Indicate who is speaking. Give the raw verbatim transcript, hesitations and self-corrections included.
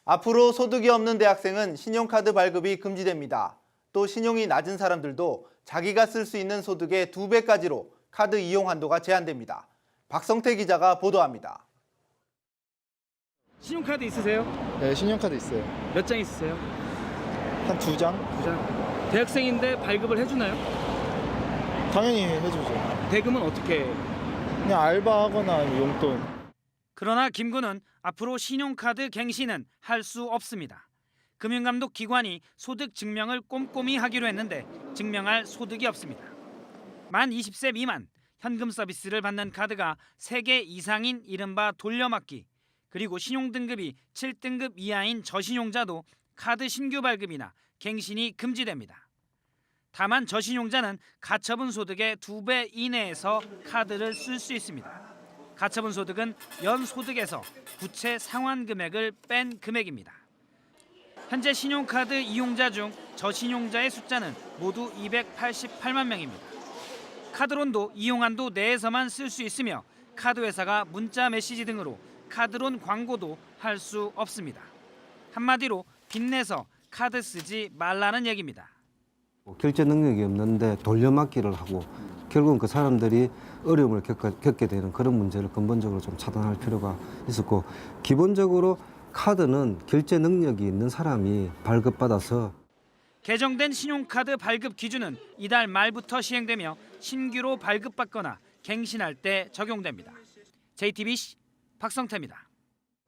Speaker 1: 앞으로 소득이 없는 대학생은 신용카드 발급이 금지됩니다. 또 신용이 낮은 사람들도 자기가 쓸 수 있는 소득의 두 배까지로 카드 이용 한도가 제한됩니다. 박성태 기자가 보도합니다.
Speaker 2: 신용카드 있으세요?
Speaker 3: 네, 신용카드 있어요.
Speaker 2: 몇 장 있으세요?
Speaker 3: 한 두 장?
Speaker 2: 두 장. 대학생인데 발급을 해주나요?
Speaker 3: 당연히 해주죠.
Speaker 2: 대금은 어떻게?
Speaker 3: 그냥 알바하거나 용돈.
Speaker 4: 그러나 김 군은 앞으로 신용카드 갱신은 할 수 없습니다. 금융감독 기관이 소득 증명을 꼼꼼히 하기로 했는데 증명할 소득이 없습니다. 만 이십 세 미만, 현금 서비스를 받는 카드가 세 개 이상인 이른바 돌려막기, 그리고 신용등급이 칠 등급 이하인 저신용자도 카드 신규 발급이나 갱신이 금지됩니다. 다만 저신용자는 가처분 소득의 두 배 이내에서 카드를 쓸 수 있습니다. 가처분 소득은 연 소득에서 부채 상환 금액을 뺀 금액입니다. 현재 신용카드 이용자 중 저신용자의 숫자는 모두 이백팔십팔만 명입니다. 카드론도 이용한도 내에서만 쓸 수 있으며 카드 회사가 문자 메시지 등으로 카드론 광고도 할 수 없습니다. 한마디로 빚내서 카드 쓰지 말라는 얘기입니다.
Speaker 5: 결제 능력이 없는데 돌려막기를 하고 결국은 그 사람들이 어려움을 겪게, 겪게 되는 그런 문제를 근본적으로 좀 차단할 필요가 있었고, 기본적으로 카드는 결제 능력이 있는 사람이 발급받아서
Speaker 4: 개정된 신용카드 발급 기준은 이달 말부터 시행되며 신규로 발급받거나 갱신할 때 적용됩니다. 제이티비씨 박성태입니다.